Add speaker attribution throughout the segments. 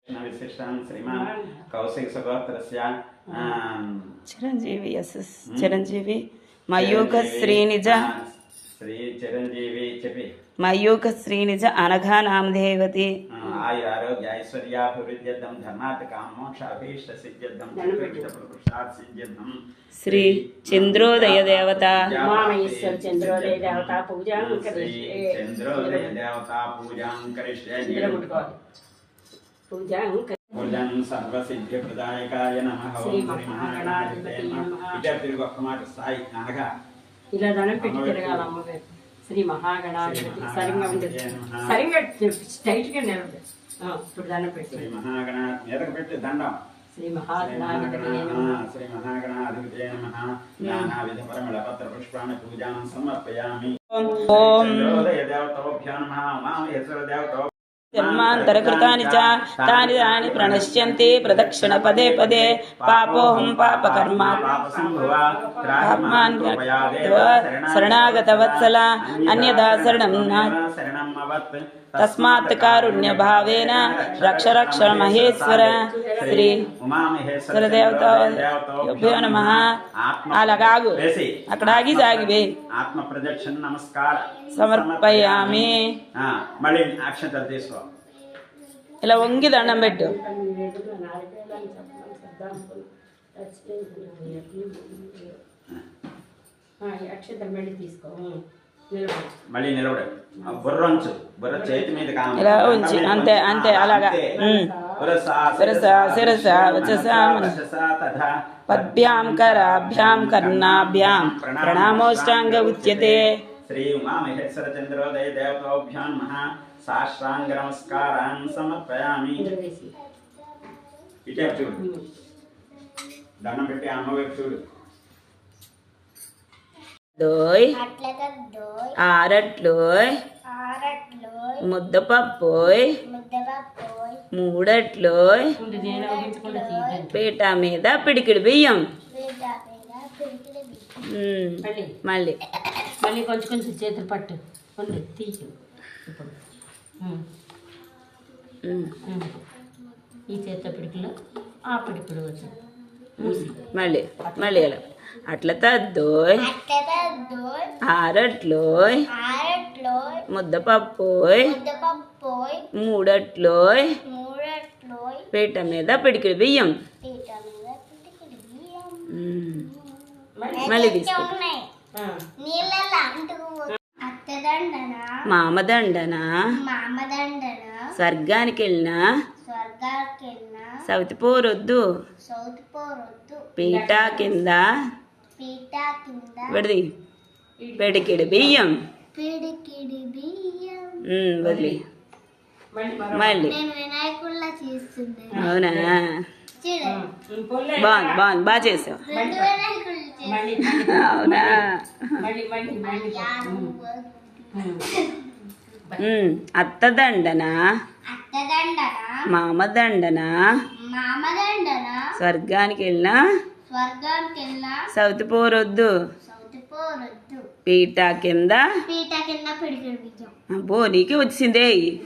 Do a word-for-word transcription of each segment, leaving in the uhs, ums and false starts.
Speaker 1: विशिष्टान् श्रीमान् कौशिक सगोत्रस्य
Speaker 2: चिरंजीवी यस चिरंजीवी मयूख श्रीनिज
Speaker 1: श्री चिरंजीवी చెప్పి
Speaker 2: मयूख श्रीनिज అనఘా నామదేవతి
Speaker 1: ఆయు ఆరోగ్య ఐశ్వర్యాభివృద్ధ్యర్థం ధర్మార్థ కామోక్షాభీష్ట సిద్ధ్యర్థం పురుషార్థ సిద్ధ్యర్థం
Speaker 2: శ్రీ చంద్రోదయ దేవత
Speaker 3: ఉమామహేశ్వర చంద్రోదయ దేవత పూజాం
Speaker 1: కరిష్యే చంద్రోదయ దేవత పూజాం కరిష్యే
Speaker 3: పూజాం
Speaker 1: పూజం సర్వసిద్ధి ప్రదాయకాయ నమః
Speaker 3: శ్రీ మహాగణాధిపతి నమః.
Speaker 1: ఇదే తిరుగు ఒక్క మాట సాయి అనగా
Speaker 3: ఇలా దండం పెట్టి తిరగాలి అమ్మగారు. శ్రీ మహాగణాధిపతి
Speaker 1: శ్రీ
Speaker 3: సరిగ్గా ఉంది
Speaker 1: మహాగణాధిపతి
Speaker 3: సరిగ్గా స్ట్రైట్ గా నిలబడి ఇప్పుడు దండం
Speaker 1: శ్రీ
Speaker 3: పెట్టి
Speaker 1: మహాగణాధిపతి మీదకు పెట్టి దండం
Speaker 3: శ్రీ మహాగణాధిపతి నమః.
Speaker 1: శ్రీ మహాగణాధిపతే నమః నానావిధ పరిమళ పత్ర పుష్పాణి పూజాం సమర్పయామి.
Speaker 2: ఓం
Speaker 1: చంద్రోదయ దేవతోభ్యో నమః ఉమామహేశ్వర దేవతో
Speaker 2: జన్మాంతరకృతాని చ తాని తాని ప్రణశ్యంతి ప్రదక్షిణ పదే పదే పాపోహం పాపకర్మ పాపాన్ శరణాగత వత్సల అన్యదా శరణం నా తస్మాత్ కారుణ్య భావేన రక్ష రక్ష మహేశ్వర శ్రీ ఉమామహేశ్వర దేవతాభ్యో నమః. అలాగాగు అక్కడ ఆగి సాగివే
Speaker 1: ఆత్మ ప్రదక్షిణ నమస్కార
Speaker 2: సమర్పయామి.
Speaker 1: మళ్ళీ అక్షంతలు తీసుకో.
Speaker 2: ఇలా వంగి దండం పెట్టు.
Speaker 3: అక్షతలు మళ్ళీ తీసుకో
Speaker 1: మళ్ళీ నిలబడు. బుర్ర ఉంచు. బుర్ర చేతి మీద
Speaker 2: ఇలా ఉంచి అంతే అంతే అలాగా. శిరస పద్భ్యాం కరాభ్యాం కర్ణాభ్యాం ప్రణామోష్టాంగ ఉచ్యతే.
Speaker 1: శ్రీ ఉమామహేశ్వర చంద్రోదయ దేవతాభ్యో నమః సాష్టాంగ నమస్కారాన్ సమర్పయామి. ఇటే చూడు. దండం పెట్టి అమ్మవైపు చూడు.
Speaker 2: దోయ్ ఆరట్లోయ్ ముద్దపప్పోయ్ మూడట్లోయ్ పీట మీద పిడికిడి బియ్యం. మళ్ళీ
Speaker 3: మళ్ళీ కొంచెం కొంచెం చేతులు పట్టు ఉంది తీయు. ఇప్పుడు ఈ చేత పిడికిలో ఆ పిడికిడు వచ్చి
Speaker 2: మళ్ళీ మళ్ళీ ఎలా అట్ల తద్దోయ్ ఆరట్లోయ్ ముద్దపప్పోయ్ మూడట్లోయ్ పీట మీద పిడికిడి బియ్యం. మళ్ళీ తీసుకో. మామదండన స్వర్గానికి వెళ్ళినా సౌతి పోరొద్దు పీట కింద విడది పిడికిడి బియ్యం. వదిలి మళ్ళీ అవునా బాగుంది బాగుంది బాగా చేసావు. అవునా అత్తదండన మామదండన స్వర్గానికి వెళ్ళినా సౌతి పోరొద్దు పీట కింద అబ్బో నీకే వచ్చిందే.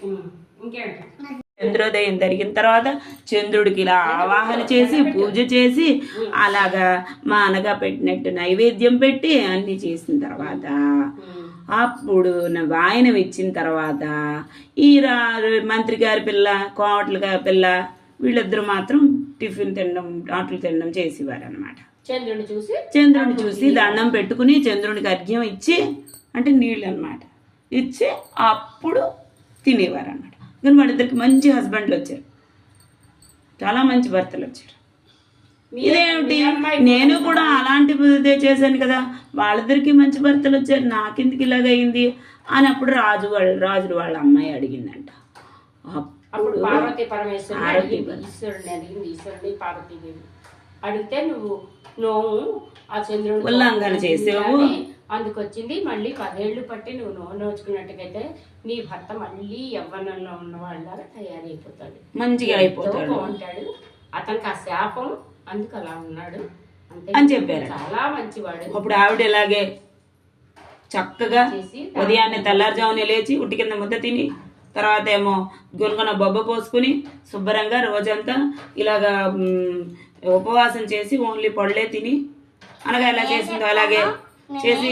Speaker 2: చంద్రోదయం జరిగిన తర్వాత చంద్రుడికి ఇలా ఆవాహన చేసి పూజ చేసి అలాగా మానగా పెట్టినట్టు నైవేద్యం పెట్టి అన్ని చేసిన తర్వాత అప్పుడు వాయనం ఇచ్చిన తర్వాత ఈ రా మంత్రి గారి పిల్ల కోమట్ల గారి పిల్ల వీళ్ళిద్దరూ మాత్రం టిఫిన్ తినడం ఆటలు తినడం చేసేవారు అనమాట.
Speaker 3: చంద్రుని చూసి
Speaker 2: చంద్రుని చూసి దండం పెట్టుకుని చంద్రునికి అర్ఘ్యం ఇచ్చి అంటే నీళ్ళు అనమాట ఇచ్చి అప్పుడు తినేవారు అనమాట. కానీ వాళ్ళిద్దరికి మంచి హస్బెండ్లు వచ్చారు, చాలా మంచి భర్తలు వచ్చారు. ఇదేమిటి నేను కూడా అలాంటిదే చేశాను కదా, వాళ్ళిద్దరికి మంచి భర్తలు వచ్చారు, నాకెందుకు ఇలాగైంది అని అప్పుడు రాజు వాళ్ళ రాజులు వాళ్ళ అమ్మాయి అడిగిందంట.
Speaker 3: అప్పుడు పార్వతీ పరమేశ్వరుడు ఈశ్వరుని అడిగింది. ఈశ్వరుని పార్వతీదేవి అడిగితే నువ్వు నువ్వు ఆ చంద్రుడు
Speaker 2: ఉల్లంఘన చేసావు,
Speaker 3: అందుకొచ్చింది. మళ్ళీ పదేళ్లు పట్టి నువ్వు నోరు నోచుకున్నట్టుగైతే నీ భర్త మళ్ళీ యవ్వనంలో ఉన్న వాళ్ళగా తయారైపోతాడు,
Speaker 2: మంచిగా అయిపోతాడు,
Speaker 3: ఉంటాడు. అతనికి ఆ శాపం అందుకు అలా ఉన్నాడు
Speaker 2: అని చెప్పారు.
Speaker 3: చాలా మంచివాడు.
Speaker 2: అప్పుడు ఆవిడ ఇలాగే చక్కగా ఉదయాన్నే తెల్లారుజామునే లేచి ఉట్టి కింద ముద్ద తిని తర్వాత ఏమో గొనుగొన బొబ్బ పోసుకుని శుభ్రంగా రోజంతా ఇలాగా మ్, ఉపవాసం చేసి ఓన్లీ పళ్ళే తిని అనగా ఎలా చేసిందో అలాగే చేసి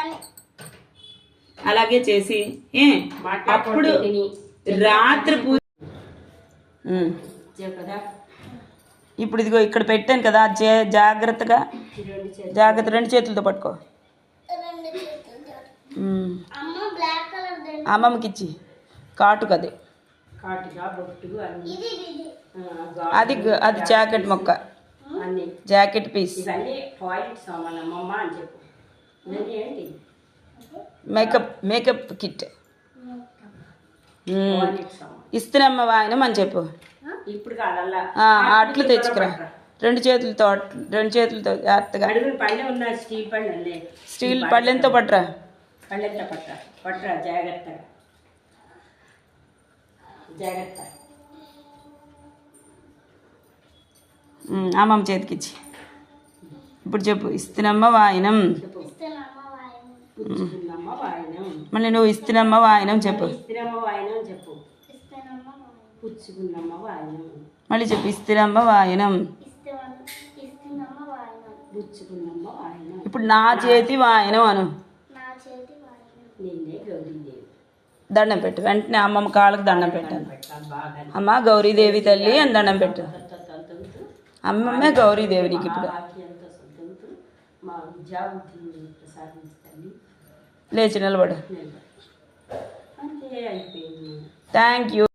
Speaker 2: అలాగే చేసి ఏ అప్పుడు రాత్రి పూజ ఉమ్.
Speaker 3: కదా
Speaker 2: ఇప్పుడు ఇదిగో ఇక్కడ పెట్టాను కదా జా- జాగ్రత్తగా జాగ్రత్త రెండు చేతులతో పట్టుకో ఉమ్. అమ్మమ్మకి ఇచ్చి కాటుకు అది
Speaker 3: కాటుగా బొట్టు అన్ని ఆ,
Speaker 2: అది గ- అది జాకెట్ మొక్క
Speaker 3: అన్ని
Speaker 2: జాకెట్ పీస్
Speaker 3: ఇవన్నీ టాయిలెట్ సామాన్ అమ్మమ్మ అని చెప్పు ఇవన్నీ ఏంటి
Speaker 2: మేకప్ మేకప్ కిట్ ఉమ్.
Speaker 3: టాయిలెట్ సామాన్
Speaker 2: ఇస్తున్నమ్మ వాయనం అని చెప్పు
Speaker 3: ఇప్పుడు కాదల్లా
Speaker 2: ఆ, అట్లు తెచ్చుకురా రెండు చేతులతో అట్లు రెండు చేతులతో జాగ్రత్తగా
Speaker 3: అడుగులు పళ్ళె ఉన్న స్టీల్ పళ్ళె లే
Speaker 2: స్టీల్ పళ్ళెంతో పట్టురా
Speaker 3: పళ్ళెంత పట్ట పట్టరా జాగ్రత్తగా జాగ్రత్త
Speaker 2: ఉమ్, అమ్మమ్మ చేతికిచ్చి ఇప్పుడు చెప్పు ఇస్తున్నమ్మ వాయనం
Speaker 3: చెప్పు పుచ్చుకున్నమ్మ వాయనం
Speaker 2: మళ్ళీ నువ్వు ఇస్తున్నమ్మ వాయనం చెప్పు
Speaker 3: ఇస్తిరమ్మ వాయనం చెప్పు పుచ్చుకున్నమ్మ వాయనం
Speaker 2: మళ్ళీ చెప్పు ఇస్తున్నమ్మ వాయనం
Speaker 3: పుచ్చుకున్నమ్మ వాయనం
Speaker 2: ఇప్పుడు నా చేతి వాయనం అను
Speaker 3: నిన్నే గౌరీదేవి
Speaker 2: దండం పెట్టు వెంటనే అమ్మమ్మ కాళ్ళకి దండం పెట్టాను
Speaker 3: పెట్టాలి బాగా
Speaker 2: అమ్మ గౌరీదేవి తల్లి అని దండం పెట్టు
Speaker 3: తలుతూ
Speaker 2: అమ్మమ్మే గౌరీదేవి నీకు ఇప్పుడు
Speaker 3: ఆఖ్యంతో సొంతంతో మా విద్యాబుద్ధిని ప్రసాదించండి
Speaker 2: లేచి నిలబడు
Speaker 3: అంతే అయిపోయింది
Speaker 2: థ్యాంక్ యూ